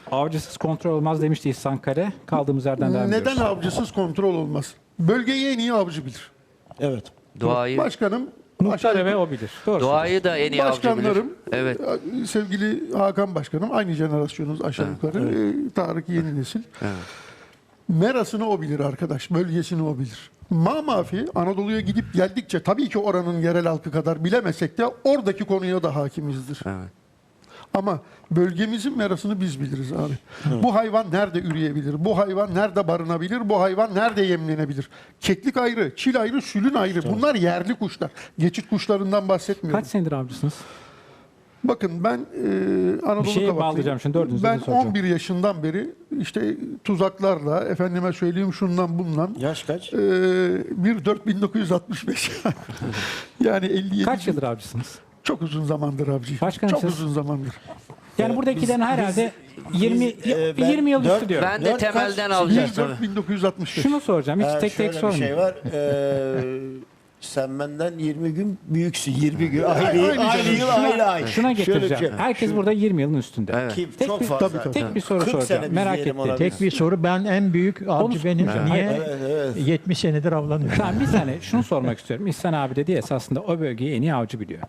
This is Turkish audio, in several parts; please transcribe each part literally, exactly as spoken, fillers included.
Avcısız kontrol olmaz demişti İhsan Kare. Kaldığımız yerden devam Neden ediyoruz. avcısız kontrol olmaz? Bölgeyi en iyi avcı bilir. Evet. Doğayı, Başkanım, Muhtar aşağı- ve o bilir. Doğru. doğayı da en iyi avcı bilir. başkanlarım, Evet. e, sevgili Hakan Başkanım, aynı jenerasyonuz aşağı yukarı. E, Tarık yeni nesil. Merasını o bilir arkadaş, bölgesini o bilir. Mamafi Anadolu'ya gidip geldikçe tabii ki oranın yerel halkı kadar bilemesek de oradaki konuya da hakimizdir. Evet. Ama bölgemizin merasını biz biliriz abi. Bu hayvan nerede üreyebilir? Bu hayvan nerede barınabilir? Bu hayvan nerede yemlenebilir? Keklik ayrı, çil ayrı, sülün ayrı. Bunlar yerli kuşlar. Geçit kuşlarından bahsetmiyorum. Kaç senedir avcısınız? Bakın ben e, Anadolu Bir şeye Kavaklıyım. bağlayacağım şimdi, dördünüzü de Ben soracağım. on bir yaşından beri işte tuzaklarla, efendime söyleyeyim şundan bundan. Yaş kaç? E, bir dört bin dokuz yüz altmış beş. Yani elli yedi. Kaç yıldır avcısınız? Çok uzun zamandır abicim. Başkanım Çok siz- uzun zamandır. Yani buradakilerin herhalde yirmi biz, e, ben yirmi yıl üstü dört- diyorum. Ben de Dört temelden kaç- alacağım. bir dört bin dokuz yüz altmış beş. Şunu soracağım. Hiç Ee, tek tek şöyle bir sormayayım. şey var. Ee, sen benden yirmi gün büyüksün. yirmi gün. Aynı, aynı aynı, canım. yıl Şuna- aynı ay. Şuna Şöyle bir getireceğim. şey. Herkes burada yirmi yılın üstünde. Evet. Kim? Tek Çok bir- fazla. tabii, tabii. Tek bir soru kırk soracağım. sene biz Merak diyelim ettim. ona Tek biz. bir soru, ben en büyük avcı benim. Evet. Niye Evet, evet. yetmiş senedir avlanıyorum? Tamam, bir saniye şunu sormak istiyorum. İhsan abi dedi ya, esasında o bölgeyi en iyi avcı biliyor.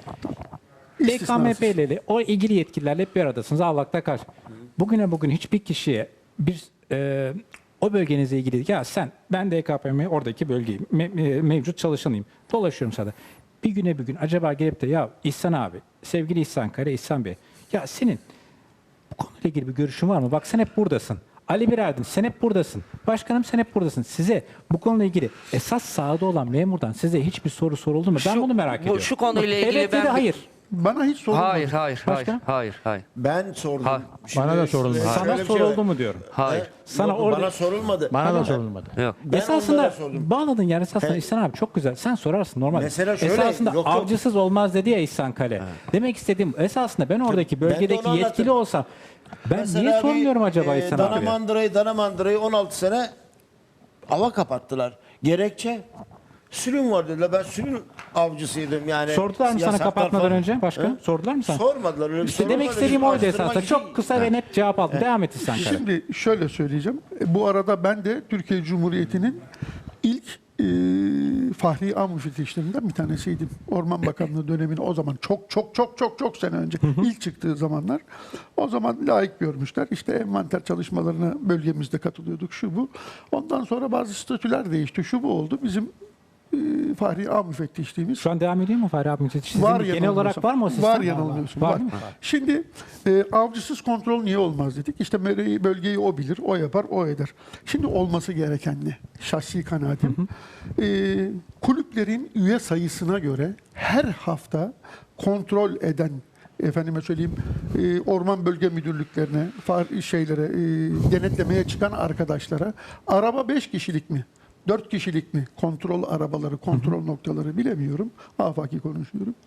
D K M P ile o ilgili yetkililerle hep bir aradasınız. Allak'ta kaç. Bugüne bugün hiçbir kişiye bir e, o bölgenizle ilgili ya sen ben D K P M oradaki bölgeyim me- e, mevcut çalışanıyım. Dolaşıyorum sana. Bir güne bir gün acaba gelip de ya İhsan abi, sevgili İhsan Kare, İhsan Bey, ya senin bu konuyla ilgili bir görüşün var mı? Bak sen hep buradasın. Ali Birerdin sen hep buradasın. Başkanım sen hep buradasın. Size bu konuyla ilgili esas sahada olan memurdan size hiçbir soru soruldu mu? Ben Şu- bunu merak bu- ediyorum. şu konuyla Bak, ilgili evet ya ben da bir- hayır. Bana hiç sorulmadı. Hayır, hayır, hayır, Başka? hayır, hayır. Ben sordum. Ha. Şimdi Bana da sorulmadı. şöyle Sana bir şey soruldu var. mu diyorum. Hayır. He? Sana Yok, orada- bana sorulmadı. Bana Ama da sorulmadı. Yok. ben esasında onlara sordum. bağladın yani esasında He. İhsan abi çok güzel. Sen sorarsın normal. Mesela şöyle, esasında yok, yok. avcısız olmaz dedi ya İhsan Kale. Demek istediğim esasında ben oradaki Ben de bölgedeki onu yetkili anlatırım. olsam ben Mesela niye bir, sormuyorum acaba e, İhsan abiye? Danamandıra'yı, Danamandıra'yı on altı sene ava kapattılar. Gerekçe sülün var dediler. Ben sülün avcısıydım yani. Sordular mı sana Yasaklar kapatmadan falan. önce başka? He? Sordular mı sana? Sormadılar. Öyle bir İşte soru demek var. istediğim Biz oydu araştırmak esasında. için- Çok kısa ve net cevap aldım. Devam et İhsan Kale. Şimdi şöyle söyleyeceğim. E, Bu arada ben de Türkiye Cumhuriyeti'nin ilk e, Fahri Am müfettişlerinden bir tanesiydim. Orman Bakanlığı döneminde o zaman çok çok çok çok çok sene önce ilk çıktığı zamanlar. O zaman layık görmüşler. İşte envanter çalışmalarına bölgemizde katılıyorduk şu bu. Ondan sonra bazı statüler değişti. Şu bu oldu. Bizim e, Fahri Am müfettişliğimiz Şu an devam ediyor mu Fahri abi? Sizin var genel yanılmıyorsam. olarak var mı o sistem? Var yanılmıyorsun. Var, Var. değil mi? Şimdi e, avcısız kontrol niye olmaz dedik. İşte mereyi, bölgeyi o bilir, o yapar, o eder. Şimdi olması gereken ne? Şahsi kanaatim. E, kulüplerin üye sayısına göre her hafta kontrol eden efendime söyleyeyim e, orman bölge müdürlüklerine, far, şeylere, e, denetlemeye çıkan arkadaşlara araba beş kişilik mi? Dört kişilik mi? Kontrol arabaları, kontrol noktaları bilemiyorum. Afaki konuşuyorum.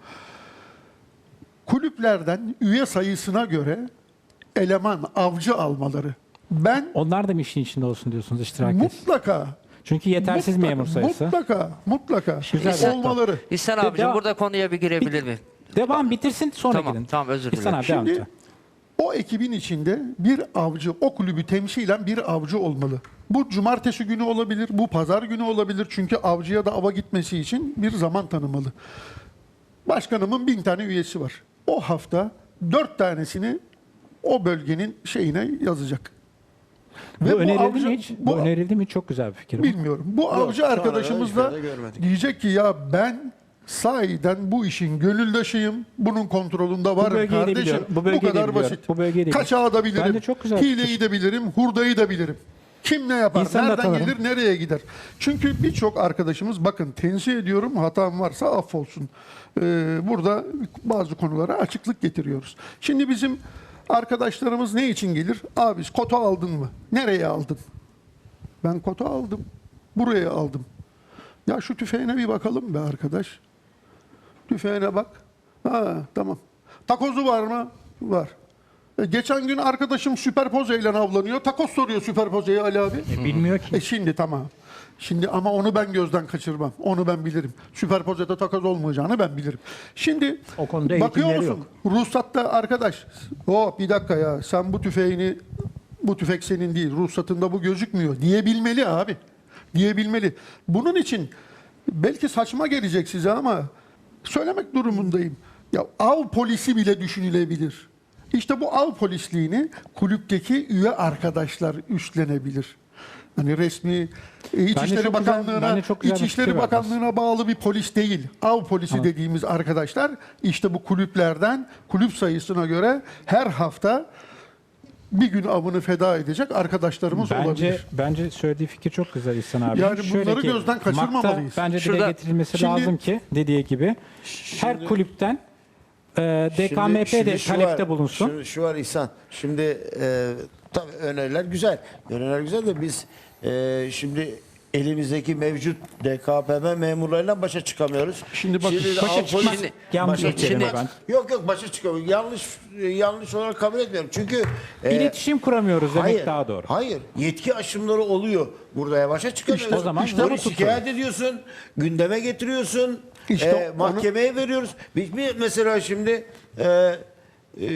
Kulüplerden üye sayısına göre eleman, avcı almaları. Ben Onlar da mı işin içinde olsun diyorsunuz, iştirak etsin? mutlaka, Çünkü yetersiz mutlaka, memur sayısı. mutlaka, mutlaka Güzel. olmaları. İhsan abicim devam- burada konuya bir girebilir miyim? Devam bitirsin sonra Tamam, gidin. tamam, özür İhsan dilerim. abi devam Şimdi et. o ekibin içinde bir avcı, o kulübü temsilen bir avcı olmalı. Bu cumartesi günü olabilir, bu pazar günü olabilir. Çünkü avcıya da ava gitmesi için bir zaman tanımalı. Başkanımın bin tane üyesi var. O hafta dört tanesini o bölgenin şeyine yazacak. Bu Ve önerildi avcı- mi hiç? Bu, bu- önerildi mi? Çok güzel bir fikir. bu. Bilmiyorum. Bu avcı şu ana arkadaşımız kadar da hiçbir yerde görmedik. diyecek ki ya ben sahiden bu işin gönüldaşıyım. Bunun kontrolünde varım bölgeyi de kardeşim. biliyorum, bu Bu, bölgeyi de kadar biliyorum, basit. bu bölgeyi de Kaçağı da bilirim. Bence çok güzel Hileyi fikir. de bilirim. Hurdayı da bilirim. Kim ne yapar? İnsanı da Nereden tanırım. gelir? Nereye gider? Çünkü birçok arkadaşımız bakın tenzih ediyorum. Hatam varsa affolsun. Ee, burada bazı konulara açıklık getiriyoruz. Şimdi bizim arkadaşlarımız ne için gelir? Abi kota aldın mı? Nereye aldın? Ben kota aldım. Buraya aldım. Ya şu tüfeğine bir bakalım be arkadaş. Tüfeğine bak. Ha tamam. Takozu var mı? Var. E, geçen gün arkadaşım süperpozeyle avlanıyor. Takoz soruyor süperpozeye Ali abi. E, bilmiyor ki. E şimdi tamam. Şimdi ama onu ben gözden kaçırmam. Onu ben bilirim. Süperpozede takoz olmayacağını ben bilirim. Şimdi O konuda bakıyor eğitimleri musun? Ruhsatta arkadaş. O bir dakika ya sen bu tüfeğini bu tüfek senin değil, ruhsatında bu gözükmüyor diyebilmeli abi. Diyebilmeli. Bunun için belki saçma gelecek size ama söylemek durumundayım. Ya av polisi bile düşünülebilir. İşte bu av polisliğini kulüpteki üye arkadaşlar üstlenebilir. Hani resmi e, Bence İçişleri çok güzel- Bakanlığı'na, bence çok güzel bir İçişleri fikir verdiniz. Bakanlığı'na bağlı bir polis değil. Av polisi dediğimiz arkadaşlar işte bu kulüplerden kulüp sayısına göre her hafta bir gün avını feda edecek arkadaşlarımız Bence olabilir. bence söylediği fikir çok güzel İhsan abi. Yani Şöyle bunları ki, gözden kaçırmamalıyız. Makta bence Şurada- dile getirilmesi Şimdi- lazım ki dediği gibi her kulüpten e, D K M P Şimdi- de şimdi şu talepte var, bulunsun. Şu, şu var İhsan. Şimdi e, tabii öneriler güzel. Öneriler güzel de biz e, şimdi elimizdeki mevcut D K P M memurlarıyla başa çıkamıyoruz. Şimdi bakın, de başa av çıkmak polisi- yanlış başa bir kelime çıkmak- ben. Yok yok başa çıkamıyor. Yanlış yanlış olarak kabul etmiyorum. Çünkü e, İletişim kuramıyoruz demek hayır, daha doğru. Hayır. Yetki aşımları oluyor. Burada başa çıkamıyoruz. İşte o zaman işte bunu bunu tutun. şikayet ediyorsun. Gündeme getiriyorsun. İşte e, onu- mahkemeye veriyoruz. Bir, bir mesela şimdi e, e,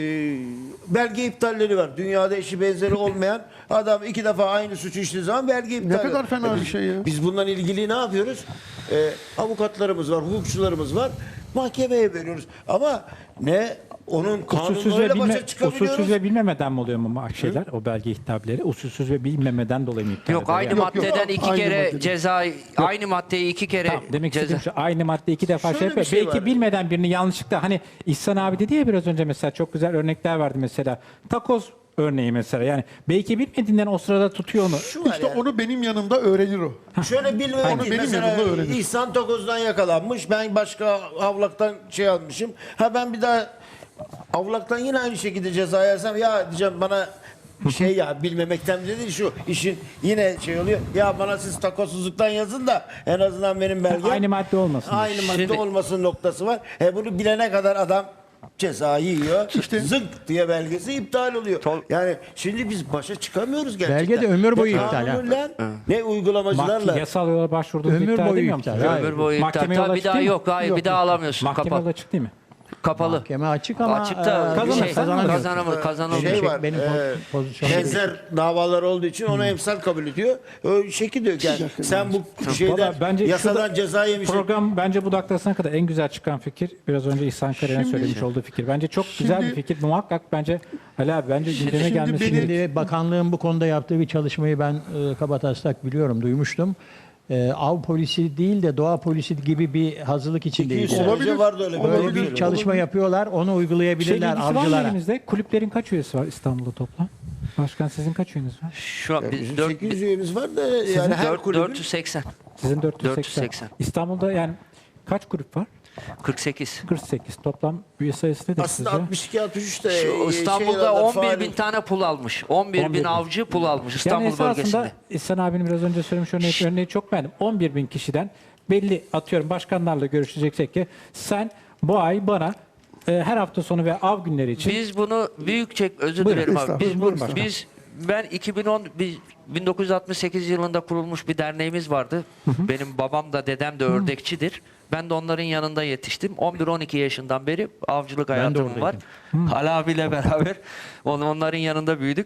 belge iptalleri var. Dünyada eşi benzeri olmayan adam iki defa aynı suçu işlediği zaman belge iptal. kadar ediyor. fena E, bir biz- şey ya. Biz bununla ilgili ne yapıyoruz? E, avukatlarımız var, hukukçularımız var. Mahkemeye veriyoruz. Ama ne onun Usulsüz ve, kanunlarıyla bilme, başa çıkabiliyoruz. usulsüz ve bilmemeden mi oluyor mu şeyler, o belge ihtableri? Usulsüz ve bilmemeden dolayı mı iptal Yok ediyor? aynı Yani- Yok, yok. maddeden iki Aynı kere maddeden. ceza, aynı maddeyi iki kere Tamam, demek ceza. istediğim şu, aynı madde iki defa Şöyle şey bir yapıyor. şey Belki var. bilmeden birini yanlışlıkla, hani İhsan abi dedi ya biraz önce, mesela çok güzel örnekler verdi mesela. Takoz örneği mesela, yani belki bilmediğinden o sırada tutuyor onu. Şu var İşte yani. onu benim yanımda öğrenir o. Şöyle bilmiyorum Onu ki benim mesela yanımda öğrenir. İhsan Tokoz'dan yakalanmış. Ben başka avlaktan şey almışım. Ha ben bir daha avlaktan yine aynı şekilde ceza yersem ya diyeceğim bana şey ya bilmemekten bile değil şu işin yine şey oluyor. Ya bana siz takozsuzluktan yazın da en azından benim belgem Aynı madde olmasın. aynı madde Şimdi- olmasın noktası var. E bunu bilene kadar adam cezayı yiyor. İşte- Zınk diye belgesi iptal oluyor. Yani şimdi biz başa çıkamıyoruz gerçekten. Belge de ömür boyu Ne iptal ha. kanunla, ne uygulamacılarla. Mahke, yasal yola başvurduğunuz Ömür iptal boyu edemiyor iptal, musunuz? hayır. Ömür boyu iptal. Mahkeme yola Tabii bir açık daha değil mi? yok. Hayır Yok, bir daha alamıyorsun. Mahkeme Kapalı. yola açık değil mi? Kapalı. Mahkeme açık ama Açıkta e, kazanırsan şey, kazanamıyor. kazanamır, kazanılmıyor. Şey Şey, var. benim e, po- pozisyonum değil. benzer davalar olduğu için ona emsal kabul ediyor. Öyle şekil diyor ki yani sen bu şeyden Valla bence yasadan şurada ceza yemişsin. Program bence bu dakikasına kadar en güzel çıkan fikir, biraz önce İhsan Karay'ın Şimdi- söylemiş olduğu fikir. Bence çok güzel bir Şimdi- fikir. Muhakkak bence Ali abi bence gündeme şimdi gelmesi beni- gerekiyor. Şimdi bakanlığın bu konuda yaptığı bir çalışmayı ben e, kabataslak biliyorum, duymuştum. E, av polisi değil de doğa polisi gibi bir hazırlık iki yüz içindeyiz. sene Olabilir. önce vardı öyle bir. Böyle Olabilir. bir çalışma yapıyorlar, onu Şey uygulayabilirler bilgisi var mı avcılara. elimizde? Kulüplerin kaç üyesi var İstanbul'da toplam? Başkan sizin kaç üyeniz var? Şu an biz Bizim dört- sekiz yüz üyemiz var da yani her dört- kulübün dört yüz seksen. Sizin dört yüz seksen. dört yüz seksen. İstanbul'da yani kaç grup var? kırk sekiz. kırk sekiz. Toplam üye sayısı nedir aslında sizce? altmış iki altmış üç de Şu e, İstanbul'da şeylerde on bir bin faaliyet- tane pul almış. on bir on bir bin bin. avcı pul almış Yani İstanbul esasında bölgesinde. İhsan abinin biraz önce söylemiş örneği, örneği çok beğendim. on bir bin kişiden belli, atıyorum başkanlarla görüşeceksek ki sen bu ay bana e, her hafta sonu ve av günleri için Biz bunu büyük çek özür Buyurun, dilerim abi. estağfurullah, Biz, buyurun bu- başkanım. biz ben iki bin on biz bin dokuz yüz altmış sekiz yılında kurulmuş bir derneğimiz vardı. Benim babam da dedem de ördekçidir. Ben de onların yanında yetiştim. on bir on iki yaşından beri avcılık hayatım var. Ali abiyle beraber on- onların yanında büyüdük.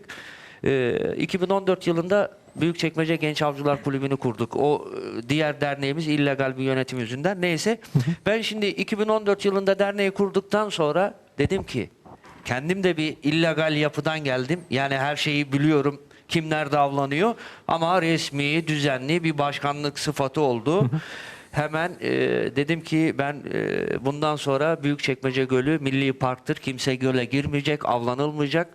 Ee, iki bin on dört yılında Büyükçekmece Genç Avcılar Kulübü'nü kurduk. O e, diğer derneğimiz illegal bir yönetim yüzünden. Neyse ben şimdi iki bin on dört yılında derneği kurduktan sonra dedim ki kendim de bir illegal yapıdan geldim. Yani her şeyi biliyorum. Kim nerede avlanıyor. Ama resmi, düzenli bir başkanlık sıfatı oldu. Hemen e, dedim ki ben e, bundan sonra Büyükçekmece Gölü milli parktır. Kimse göle girmeyecek, avlanılmayacak.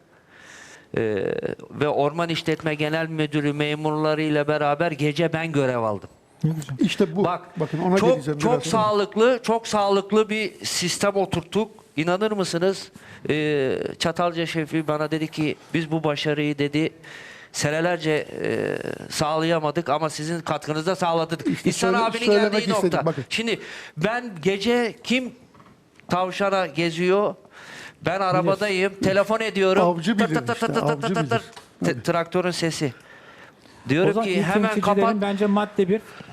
E, ve Orman İşletme Genel Müdürü memurlarıyla beraber gece ben görev aldım. İşte bu. Bak Bakın ona çok geleceğim çok biraz sonra. sağlıklı, çok sağlıklı bir sistem oturttuk. İnanır mısınız? Ee, Çatalca şefi bana dedi ki biz bu başarıyı dedi senelerce e, sağlayamadık ama sizin katkınızda sağladık. İşte İhsan söyle- abinin söylemek geldiği istedim, nokta. bakın. Şimdi ben gece kim tavşana geziyor? Ben arabadayım, telefon ediyorum. Avcı Tır bilir tır tır işte, tır tır avcı tır tır. bilir. T- Traktörün sesi. o Diyorum zaman ki ilk hemen yöneticilerin kapat. bence madde bir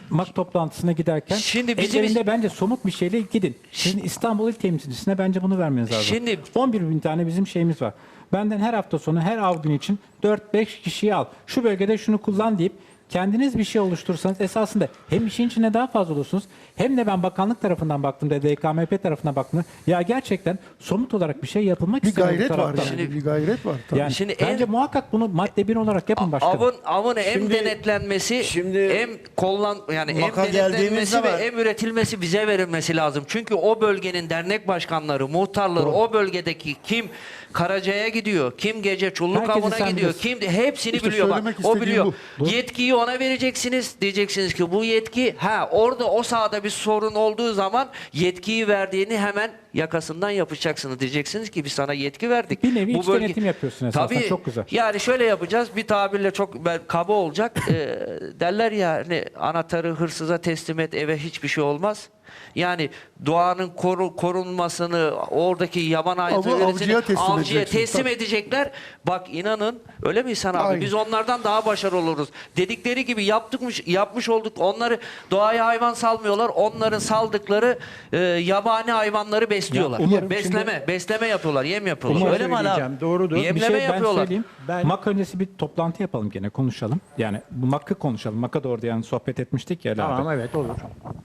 MAK toplantısına giderken Şimdi bizim- ellerinde bence somut bir şeyle gidin. Sizin İstanbul İl Temsilcisine bence bunu vermeniz lazım. Şimdi- on bir bin tane bizim şeyimiz var. Benden her hafta sonu her av günü için dört beş kişiyi al. Şu bölgede şunu kullan deyip kendiniz bir şey oluşturursanız esasında hem işin içine daha fazla olursunuz hem de ben bakanlık tarafından baktığımda D K M P tarafından baktığımda ya gerçekten somut olarak bir şey yapılmak Bir istiyor bu gayret var taraftan. yani. Şimdi- bir gayret var. Tabii. Yani Şimdi bence en- muhakkak bunu madde bir olarak yapın başkanım. Avın avın hem Şimdi- denetlenmesi, şimdi- hem kollan yani hem Maka denetlenmesi geldiğimizde ve var. hem üretilmesi bize verilmesi lazım. Çünkü o bölgenin dernek başkanları, muhtarları, o bölgedeki kim Karaca'ya gidiyor, kim gece Çulluk Herkesi Avı'na sen gidiyor, bilirsin. kim hepsini İşte biliyor bak. söylemek O istediğim biliyor. bu. Yetkiyi ona vereceksiniz. Diyeceksiniz ki bu yetki ha orada o sahada bir sorun olduğu zaman yetkiyi verdiğini hemen yakasından yapacaksınız. Diyeceksiniz ki biz sana yetki verdik. Bir nevi iç denetim yapıyorsun esasen. Tabii, Çok güzel. yani şöyle yapacağız. Bir tabirle çok ben- kaba olacak. Ee, derler ya hani anahtarı hırsıza teslim et eve hiçbir şey olmaz. Yani doğanın koru, korunmasını oradaki yaban hayvanları avcıya teslim avcıya edeceksin, teslim tabii. edecekler. Bak inanın öyle mi İhsan abi? Aynen. Biz onlardan daha başarılı oluruz. Dedikleri gibi yaptıkmış yapmış olduk. Onları doğaya hayvan salmıyorlar. Onların saldıkları e, yabani hayvanları besliyorlar. Ya umarım besleme, şimdi- besleme yapıyorlar. Yem yapıyorlar. Umarım Öyle mi Ali abi? söyleyeceğim, doğrudur. Bir Yemleme Bir şey ben yapıyorlar. söyleyeyim. Ben- MAK öncesi bir toplantı yapalım gene konuşalım. Yani bu MAK'ı konuşalım. MAK'a doğru yani sohbet etmiştik ya Ali abi. Tamam, evet, olur.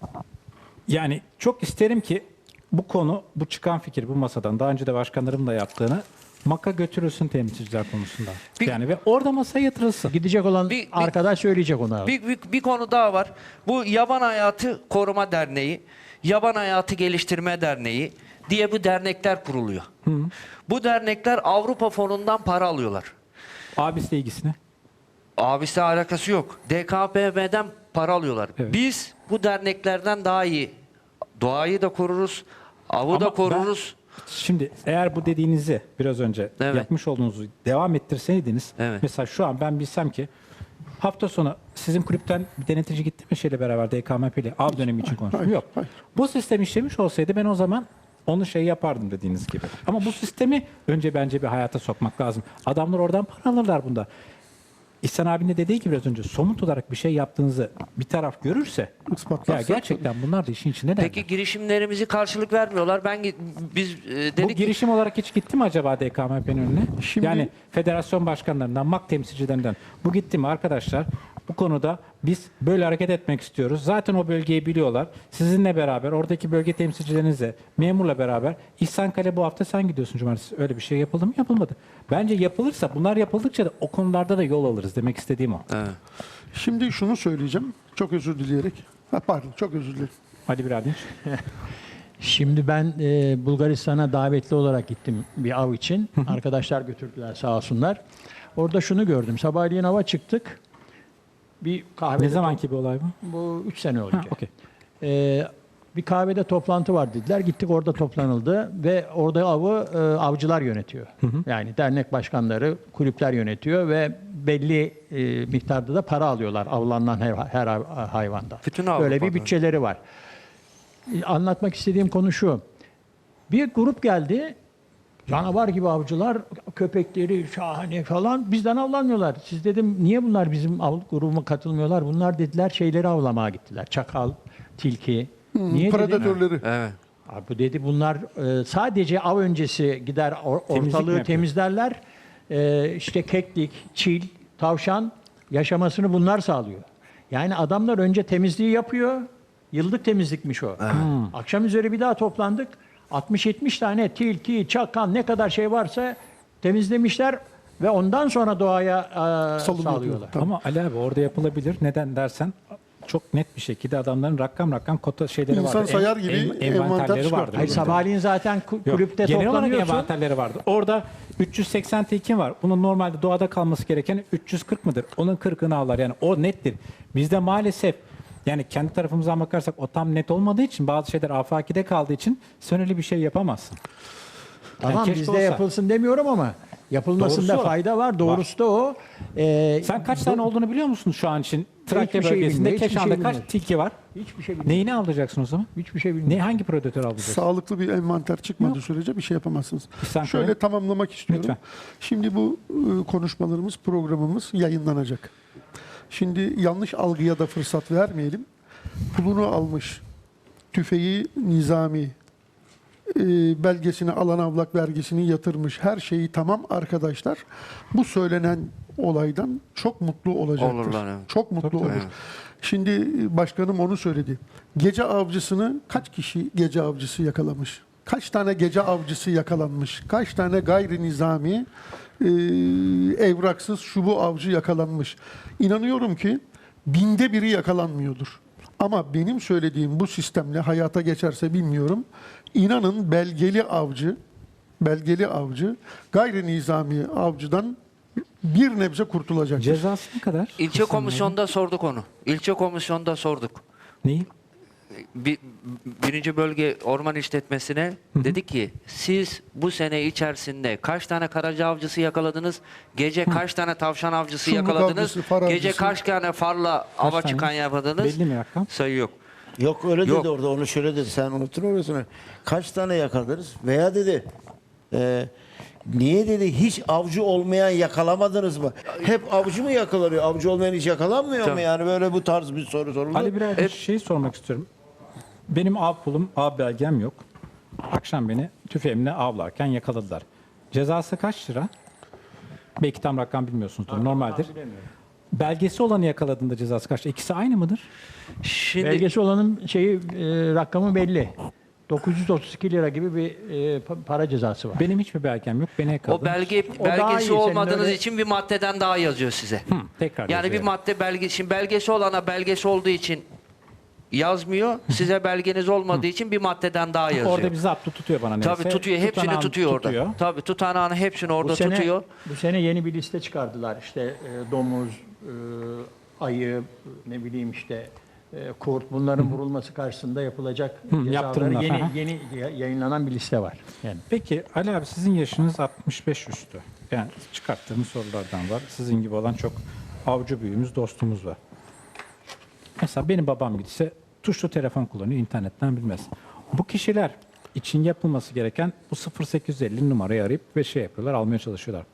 Yani çok isterim ki bu konu, bu çıkan fikir bu masadan daha önce de başkanlarım da yaptığını MAK'a götürülsün temsilciler konusunda. Bir- yani ve orada masaya yatırılsın. Gidecek olan Bir- bir- arkadaş söyleyecek ona. Bir, bir, bir konu daha var. Bu Yaban Hayatı Koruma Derneği, Yaban Hayatı Geliştirme Derneği diye bu dernekler kuruluyor. Bu dernekler Avrupa fonundan para alıyorlar. Abisiyle ilgisini. Abisi alakası yok. D K P M'den para alıyorlar. Evet. Biz bu derneklerden daha iyi doğayı da koruruz, avı Ama da ben- koruruz. Şimdi eğer bu dediğinizi biraz önce Evet. yapmış olduğunuzu devam ettirseydiniz Evet. mesela şu an ben bilsem ki hafta sonu sizin kulüpten bir denetici gitti mi şeyle beraber D K M P ile av dönemi için konuştum. Yok. Bu sistem işlemiş olsaydı ben o zaman onu şey yapardım dediğiniz gibi. Ama bu sistemi önce bence bir hayata sokmak lazım. Adamlar oradan para alırlar bunda. İhsan abinin de dediği gibi biraz önce somut olarak bir şey yaptığınızı bir taraf görürse Ispatlarsa ya gerçekten bunlar da işin içinde derler. Peki girişimlerimizi karşılık vermiyorlar. Ben gi- biz e, Bu dedik ki- girişim olarak hiç gitti mi acaba D K M P'nin önüne? Şimdi- Yani federasyon başkanlarından, MAK temsilcilerinden bu gitti mi arkadaşlar? Bu konuda biz böyle hareket etmek istiyoruz. Zaten o bölgeyi biliyorlar. Sizinle beraber, oradaki bölge temsilcilerinizle, memurla beraber İhsan Kale bu hafta sen gidiyorsun cumartesi. Öyle bir şey yapıldı mı? Yapılmadı. Bence yapılırsa, bunlar yapıldıkça da o konularda da yol alırız demek istediğim o. Evet. Şimdi şunu söyleyeceğim. Çok özür dileyerek. Ha, pardon, çok özür dilerim. Ali Biradinç. Şimdi ben e, Bulgaristan'a davetli olarak gittim bir av için. Arkadaşlar götürdüler sağ olsunlar. Orada şunu gördüm. Sabahleyin hava çıktık. Bir kahvede Ne zamanki bir olay bu? bu üç sene Ha, önce. okey. Ee, bir kahvede toplantı var dediler. Gittik, orada toplanıldı ve orada avı e, avcılar yönetiyor. Yani dernek başkanları, kulüpler yönetiyor ve belli e, miktarda da para alıyorlar avlanan her, her hay- hayvandan. Bütün Böyle bir Avrupa'da. bütçeleri var. E, Anlatmak istediğim konu şu. Bir grup geldi. Canavar gibi avcılar, köpekleri şahane falan, bizden avlanmıyorlar. Siz dedim niye bunlar bizim av grubuma katılmıyorlar? Bunlar dediler şeyleri avlamaya gittiler. Çakal, tilki. Niye dedim? Predatörleri. Evet. Abi bu dedi bunlar e, sadece av öncesi gider or- Temizlik mi ortalığı yapıyor? temizlerler. E, işte keklik, çil, tavşan yaşamasını bunlar sağlıyor. Yani adamlar önce temizliği yapıyor. Yıllık temizlikmiş o. Akşam üzeri bir daha toplandık. altmış yetmiş tane tilki, çakal ne kadar şey varsa temizlemişler ve ondan sonra doğaya e, Salınıyor. sağlıyorlar. Tabii. Ama Ali abi orada yapılabilir. Neden dersen çok net bir şekilde adamların rakam rakam kota şeyleri İnsan vardı. sayar gibi envanter envanterleri çıkar. vardı. Hayır, sabahleyin zaten ku- Yok, kulüpte genel olarak toplanıyorsun. envanterleri vardı. Orada üç yüz seksen tilki var. Bunun normalde doğada kalması gereken üç yüz kırk mıdır? Onun kırkını avlar. Yani o nettir. Bizde maalesef yani kendi tarafımızdan bakarsak o tam net olmadığı için bazı şeyler afakide kaldığı için sen öyle bir şey yapamazsın. Tamam, Yani keşke bizde olsa. yapılsın demiyorum ama yapılmasında Doğrusu o. fayda var. Doğrusu da o. Ee, Sen kaç tane olduğunu biliyor musun şu an için? Trakya Hiçbir şey bölgesinde bilmiyorum, hiçbir Keşan'da şey kaç bilmiyorum. tilki var? Hiçbir şey bilmiyorum. Neyini alacaksın o zaman? Hiçbir şey bilmiyorum. Ne hangi predatör alacaksın? Sağlıklı bir envanter çıkmadığı sürece bir şey yapamazsınız. İhsan Şöyle Kaya. tamamlamak istiyorum. Lütfen. Şimdi bu e, konuşmalarımız, programımız yayınlanacak. Şimdi yanlış algıya da fırsat vermeyelim. pulunu almış, tüfeği nizami, e, belgesini, alan avlak vergisini yatırmış, her şeyi tamam arkadaşlar. Bu söylenen olaydan çok mutlu olacaktır. Olurlar, evet. Çok mutlu Tabii, tabii. olur. Şimdi e, başkanım onu söyledi. Gece avcısını kaç kişi gece avcısı yakalamış? Kaç tane gece avcısı yakalanmış? Kaç tane gayri nizami e, evraksız şubu avcı yakalanmış? İnanıyorum ki binde biri yakalanmıyordur. Ama benim söylediğim bu sistemle hayata geçerse bilmiyorum. İnanın belgeli avcı, belgeli avcı gayri nizami avcıdan bir nebze kurtulacaktır. Cezası ne kadar? İlçe komisyonda sorduk onu. İlçe komisyonda sorduk. Neyi? Bir, birinci bölge orman işletmesine dedik ki siz bu sene içerisinde kaç tane karaca avcısı yakaladınız? Gece kaç tane tavşan avcısı Şumbuk yakaladınız? avcısı, far Gece avcısı. kaç tane farla ava tane? çıkan yakaladınız? Belli mi rakam? Sayı yok. Yok öyle Yok. dedi orada, onu şöyle dedi, sen unuttun orasını. Kaç tane yakaladınız? Veya dedi e, niye dedi hiç avcı olmayan yakalamadınız mı? Hep avcı mı yakalanıyor? Avcı olmayan hiç yakalanmıyor mu? Tabii. Yani böyle bu tarz bir soru soruldu. Ali Birer bir şey sormak istiyorum. Benim av pulum, av belgem yok. Akşam beni tüfeğimle avlarken yakaladılar. Cezası kaç lira? Belki tam rakam bilmiyorsunuzdur. Normaldir. Belgesi olanı yakaladığında cezası kaç lira? İkisi aynı mıdır? Şimdi Belgesi olanın şeyi e, rakamı belli. dokuz yüz otuz iki lira gibi bir e, pa- para cezası var. Benim hiçbir belgem yok. Beni yakaladı. o belge O daha iyi, belgesi senin olmadığınız öyle- için bir maddeden daha yazıyor size. Hı, tekrar Yani bir yazıyorum. madde belge, şimdi belgesi olana belgesi olduğu için yazmıyor. Size belgeniz olmadığı için bir maddeden daha yazıyor. Orada bir zaptı tutuyor bana neyse. Tabii tutuyor. Hepsini Tutanağını tutuyor orada. tutuyor. Tabii tutanağını hepsini orada bu sene, tutuyor. Bu sene yeni bir liste çıkardılar. İşte e, domuz, e, ayı, ne bileyim işte e, kurt, bunların vurulması karşısında yapılacak cezaları yaptırımlar, yeni, aha. yeni ya- yayınlanan bir liste var. Yani Peki Ali abi sizin yaşınız altmış beş üstü. Yani çıkarttığımız sorulardan var. Sizin gibi olan çok avcı büyüğümüz, dostumuz var. Mesela benim babam gidse tuşlu telefon kullanıyor, internetten bilmez. Bu kişiler için yapılması gereken bu sıfır sekiz elli numarayı arayıp ve şey yapıyorlar, almaya çalışıyorlar.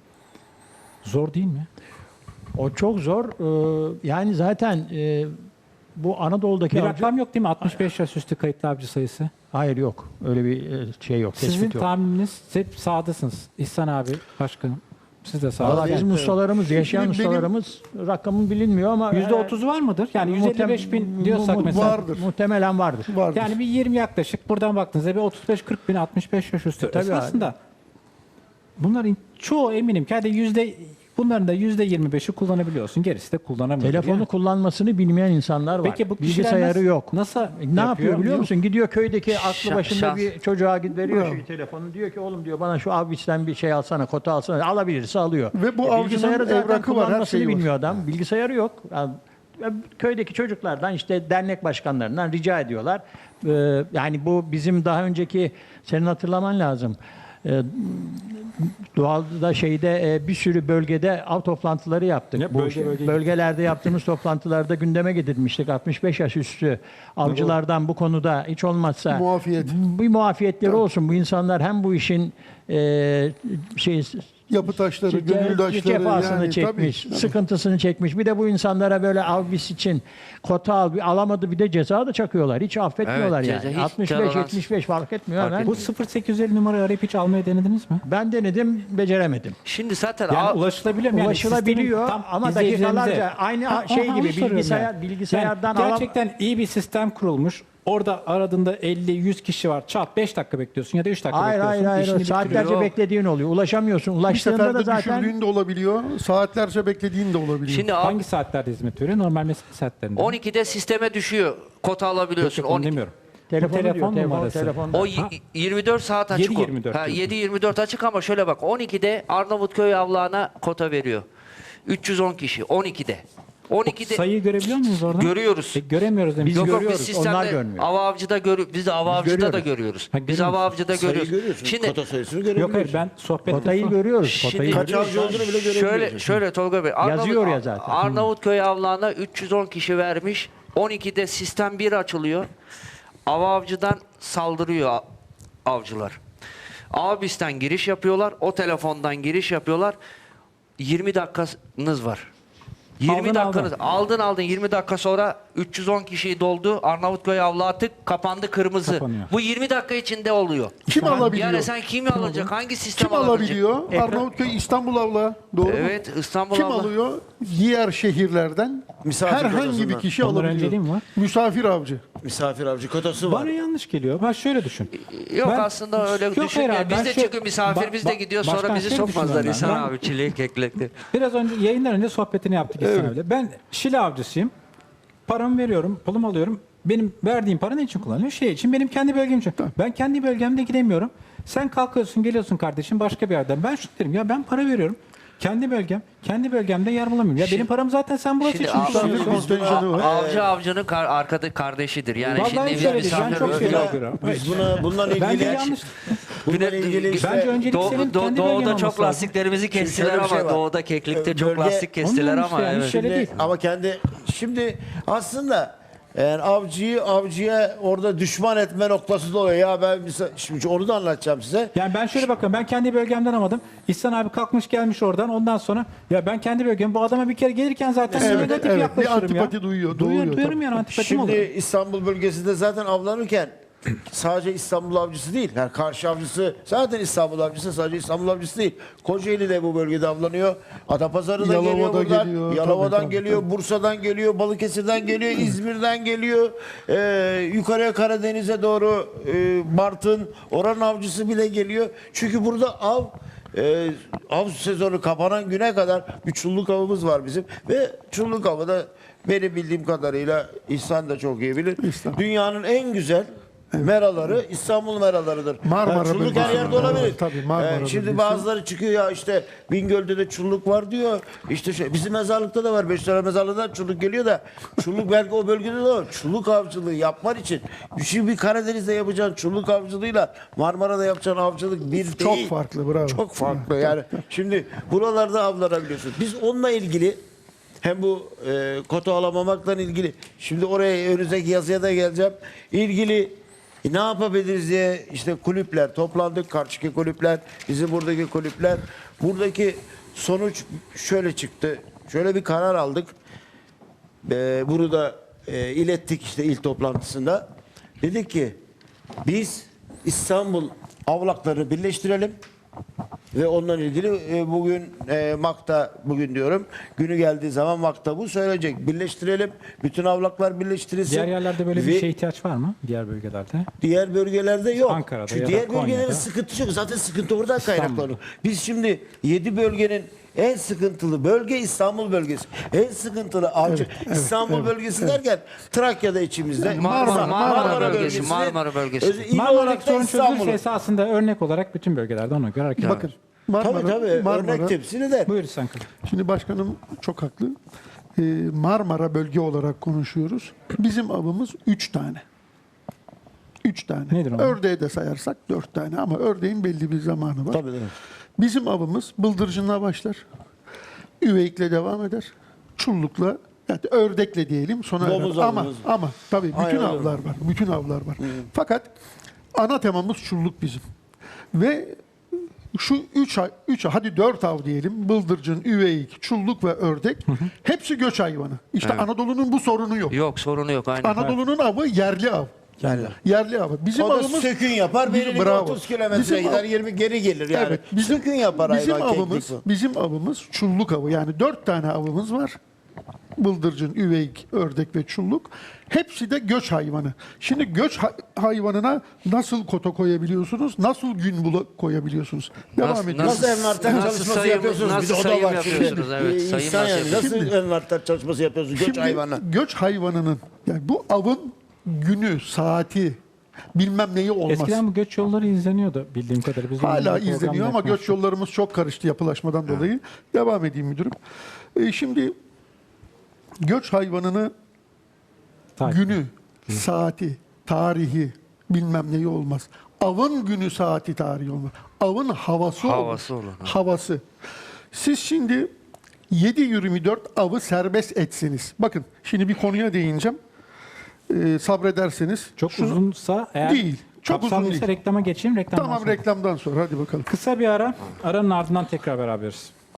Zor değil mi? o çok zor. Ee, yani zaten e, bu Anadolu'daki Bir avcı- rakam yok değil mi? altmış beş yaş üstü kayıtlı avcı sayısı. Hayır yok. Öyle bir e, şey yok. Sizin Tespit yok. tahmininiz hep sağdasınız. İhsan abi, başkanım. Siz de sağda. Valla bizim ustalarımız, yaşayan Benim- ustalarımız rakamı bilinmiyor ama yüzde otuzu var mıdır? Yani yüz elli beş bin diyorsak mu- mesela. Vardır. Muhtemelen vardır. Vardır. Yani bir yirmi yaklaşık. Buradan baktığınızda bir otuz beş kırk bin, altmış beş yaş üstü. tabii Esasında bunların çoğu eminim ki hadi yüzde bunların da yüzde yirmi beşi kullanabiliyorsun. Gerisi de kullanamıyor. Telefonu Yani. kullanmasını bilmeyen insanlar var. Peki bu kişiler bilgisayarı nasıl- yok. nasıl E, ne yapıyor biliyor musun? Gidiyor köydeki aklı Şa- başında şans. bir çocuğa gid- veriyor Bravo. şu telefonu. Diyor ki oğlum diyor bana şu abisten bir şey alsana, kota alsana. Alabilirse alıyor. Ve bu E, avcının bilgisayarı zaten evrakı var, her kullanmasını şeyi var. bilmiyor adam. Bilgisayarı yok. Yani, e, köydeki çocuklardan işte dernek başkanlarından rica ediyorlar. Ee, yani bu bizim daha önceki senin hatırlaman lazım. Ee, Doğalda şeyde e, bir sürü bölgede av toplantıları yaptık. Ya Bu bölge şey- bölge bölgelerde yaptığımız toplantılarda gündeme getirmiştik. altmış beş yaş üstü avcılardan bu konuda hiç olmazsa Muafiyet. bir muafiyetleri olsun. Bu insanlar hem bu işin e, şey Yapı taşları, ce- gönül taşları cefasını yani, çekmiş, tabii, tabii. sıkıntısını çekmiş. Bir de bu insanlara böyle avbis için kota al, bir alamadı bir de ceza da çakıyorlar. Hiç affetmiyorlar Evet, yani. ceza hiç altmış beş tolerans- yetmiş beş fark etmiyor. Fark hemen. Bu sıfır sekiz elli numarayı arayıp hiç almaya denediniz mi? Ben denedim, beceremedim. Şimdi zaten Yani av- ulaşılabiliyor mu? Yani Ulaşılabiliyor sistemin tam ama izleyicilerimize- dakikalarca aynı Ha, şey aha, gibi onu soruyorum bilgisayar yani. bilgisayardan Yani alam- gerçekten iyi bir sistem kurulmuş. Orada aradığında elli yüz kişi var. Çat beş dakika bekliyorsun ya da üç dakika Hayır bekliyorsun. hayır hayır. İşini Saatlerce bitiriyor. beklediğin oluyor. Ulaşamıyorsun. Bir Ulaştığında da seferde zaten düşürdüğün de olabiliyor. Saatlerce beklediğin de olabiliyor. şimdi av- Hangi saatlerde hizmet veriyor? Normal mesai saatlerinde. on ikide sisteme düşüyor. Kota Yok, alabiliyorsun. yok, onu on iki. demiyorum. telefonu Bu telefon diyor. Telefon, numarası. telefon. O y- yirmi dört saat açık. yedi o. yirmi dört Ha, diyorsun. yedi yirmi dört açık ama şöyle bak on ikide Arnavutköy avlağına kota veriyor. üç yüz on kişi on ikide. on ikide Sayıyı görebiliyor muyuz oradan? görüyoruz. E, göremiyoruz demiş. Biz Yok yok görüyoruz, biz onlar sistemde görmüyor. av avcıda görü biz de av avcıda da görüyoruz. görüyoruz. Ha, Biz görüyor av musun? avcıda sayıyı görüyoruz. görüyorsun. Şimdi Kota sayısını Yok görebiliyorsun. hayır ben sohbet Kotayı görüyoruz. Şimdi- Kotayı Kaç görüyoruz. avcı olduğunu bile görebiliyorsun. şöyle şöyle Tolga Bey Arnavut, Yazıyor ya zaten. Arnavutköy avlağına üç yüz on kişi vermiş. on ikide sistem bir açılıyor. Av avcıdan saldırıyor a- avcılar. Avbis'ten giriş yapıyorlar. O telefondan giriş yapıyorlar. yirmi dakikanız var. yirmi Aldın, dakikanı aldın. aldın aldın yirmi dakika sonra üç yüz on kişiyi doldu. Arnavutköy avlağı tık kapandı kırmızı. Kapanıyor. Bu yirmi dakika içinde oluyor. Kim alabiliyor? Yani sen kimi alacak? Hangi sistem Kim alabilecek? alabiliyor? Arnavutköy İstanbul avla. Doğru mu? Evet, İstanbul Kim avla. alıyor? Diğer şehirlerden Misafir herhangi bir odasından. kişi Onlara alabiliyor. önceliğim var. Misafir avcı. Misafir avcı kotası var. Bana yanlış geliyor. Ben şöyle düşün. Yok Ben- aslında öyle Yok, düşünme. hayır abi, Biz ben de şu- çünkü misafirimiz Ba- de ba- gidiyor sonra başkan bizi şöyle sokmazlar düşünüyorum İhsan ben. abi çileği keklekli. Biraz önce yayından önce sohbetini yaptık İhsan abiyle. Ben Şile avcısıyım. Paramı veriyorum, pulumu alıyorum. Benim verdiğim para ne için kullanılıyor? Şey için, benim kendi bölgem için. Ben kendi bölgemde gidemiyorum. Sen kalkıyorsun, geliyorsun kardeşim başka bir yerden. Ben şunu derim ya, ben para veriyorum. Kendi bölgem, kendi bölgemde yer bulamıyorum. Ya benim param zaten sen burası Şimdi için av- kullanıyorsun. Misafir kontenjanı var. avcı avcının kar, arkada kardeşidir. Yani Vallahi şimdi biz şöyle değil, ben misafir çok şey Buna- yapıyorum. Biz buna bundan Bence ilgili yanlış. bundan ilgili işte Bence öncelik Doğu- senin Doğu- kendi doğuda bölgen çok olması lazım. lastiklerimizi kestiler şöyle bir ama şey var. doğuda keklikte Ee, çok bölge- lastik kestiler Onun ama işte yani evet. şöyle Şimdi- değil. ama kendi şimdi aslında yani avcıyı avcıya orada düşman etme noktası da oluyor. Ya ben misal- şimdi onu da anlatacağım size. Yani ben şöyle bakıyorum, ben kendi bölgemden almadım. İhsan abi kalkmış gelmiş oradan, ondan sonra ya ben kendi bölgem, bu adama bir kere gelirken zaten Evet, negatif evet. Bir yaklaşırım ya. antipati duyuyor, Duyuyor, doğuyor duyuyorum tabii. yani, antipatim Şimdi oluyor. İstanbul bölgesinde zaten avlanırken sadece İstanbul avcısı değil. Yani karşı avcısı zaten İstanbul avcısı, sadece İstanbul avcısı değil. Kocaeli de bu bölgede avlanıyor. Adapazarı da Yalova'da geliyor buradan. geliyor. Yalova'dan Tabii, tabii, geliyor, tabii. Bursa'dan geliyor, Balıkesir'den geliyor, İzmir'den geliyor. Ee, yukarıya Karadeniz'e doğru e, Bartın, oranın avcısı bile geliyor. Çünkü burada av e, av sezonu kapanan güne kadar bir çulluk avımız var bizim. Ve çulluk avı da benim bildiğim kadarıyla İhsan da çok iyi bilir. İhsan. Dünyanın en güzel meraları İstanbul meralarıdır. Marmara Yani çulluk her bölgesi. yerde olabilir. Evet, tabii, Marmara Ee, şimdi bölgesi. bazıları çıkıyor ya işte Bingöl'de de çulluk var diyor. İşte şey, bizim mezarlıkta da var. Beşiktaş mezarlığında çulluk geliyor da çulluk belki o bölgede de var. Çulluk avcılığı yapman için şimdi bir Karadeniz'de yapacağın çulluk avcılığıyla Marmara'da yapacağın avcılık bir Çok değil. farklı, bravo. Çok farklı yani. Şimdi buralarda avlanabiliyorsun. Biz onunla ilgili hem bu e, kota alamamakla ilgili şimdi oraya önümüzdeki yazıya da geleceğim. İlgili e, ne yapabiliriz diye işte kulüpler toplandık. Karşıki kulüpler, bizim buradaki kulüpler. Buradaki sonuç şöyle çıktı. Şöyle bir karar aldık. E, bunu da e, ilettik işte ilk toplantısında. Dedik ki biz İstanbul avlakları birleştirelim. Ve onunla ilgili e, bugün e, MAK'ta bugün diyorum günü geldiği zaman MAK'ta bu söyleyecek. Birleştirelim. Bütün avlaklar birleştirilsin. Diğer yerlerde böyle Ve bir şeye ihtiyaç var mı? Diğer bölgelerde. diğer bölgelerde yok. Ankara'da Çünkü ya da diğer Konya'da. bölgelerin sıkıntı yok. Zaten sıkıntı oradan kaynaklanıyor. Biz şimdi yedi bölgenin en sıkıntılı bölge İstanbul bölgesi. En sıkıntılı avcı İstanbul evet, bölgesi derken Trakya'da içimizde. Marmara, Marmara bölgesi, bölgesinde- Marmara bölgesi. Öz- il Marmara'daki olarak da sorun İstanbul'u. çözülürse esasında örnek olarak bütün bölgelerde ona göre hareket Bakın edilir. Marmara, Tabii tabii Marmara, örnek temsil eder. Buyur İhsan Kılıç. şimdi başkanım çok haklı. Ee, Marmara bölge olarak konuşuyoruz. Bizim avımız üç tane. Üç tane. Nedir onlar? Ördeği de sayarsak dört tane ama ördeğin belli bir zamanı var. Tabii, tabii. Bizim avımız bıldırcınla başlar. Üveyikle devam eder. Çullukla, yani ördekle diyelim sona erer. Domuz Ama avımız. ama tabii bütün Aynen öyle. avlar var. Bütün avlar var. Fakat ana temamız çulluk bizim. Ve şu üç, ay- üç ay- hadi dört av diyelim. Bıldırcın, üveyik, çulluk ve ördek. Hepsi göç hayvanı. İşte Anadolu'nun bu sorunu yok. Yok sorunu yok aynen. Anadolu'nun avı yerli av. Yerli. Yerli avı. Bizim O da avımız sökün yapar, Bizim- belirli bravo. otuz kilometre Bizim gider, av- yirmi geri gelir yani. Evet, bizim, sökün yapar bizim hayvan avımız, keklik bu. bizim avımız çulluk avı. Yani dört tane avımız var. Bıldırcın, üveyik, ördek ve çulluk. Hepsi de göç hayvanı. Şimdi göç ha- hayvanına nasıl kota koyabiliyorsunuz? Nasıl gün bula koyabiliyorsunuz? Devam Nasıl- ediyoruz. Nasıl envanter Nasıl çalışması sayım- yapıyorsunuz? nasıl Bir de o da sayım var. yapıyorsunuz? Şimdi, Evet, e, sayım insan nasıl yani nasıl Şimdi- envanter çalışması yapıyorsunuz? Göç Şimdi hayvanı. göç hayvanının yani bu avın günü, saati bilmem neyi olmaz. Eskiden bu göç yolları izleniyordu bildiğim kadarıyla. Biz Hala onunla izleniyor program ama yapmıştık. göç yollarımız çok karıştı yapılaşmadan dolayı. Devam edeyim müdürüm. E, şimdi göç hayvanını Takip. günü, saati, tarihi bilmem neyi olmaz. Avın günü, saati, tarihi olmaz. Avın havası, Havası olur. olur, ha. Havası. Siz şimdi yedi yirmi dört avı serbest etseniz. Bakın şimdi bir konuya değineceğim. Ee, sabrederseniz. Çok şunu- uzunsa eğer Değil, çok uzun kapsamlıysa değil. reklama geçeyim. Reklamdan Tamam sonra. reklamdan sonra hadi bakalım. Kısa bir ara. Aranın ardından tekrar beraberiz.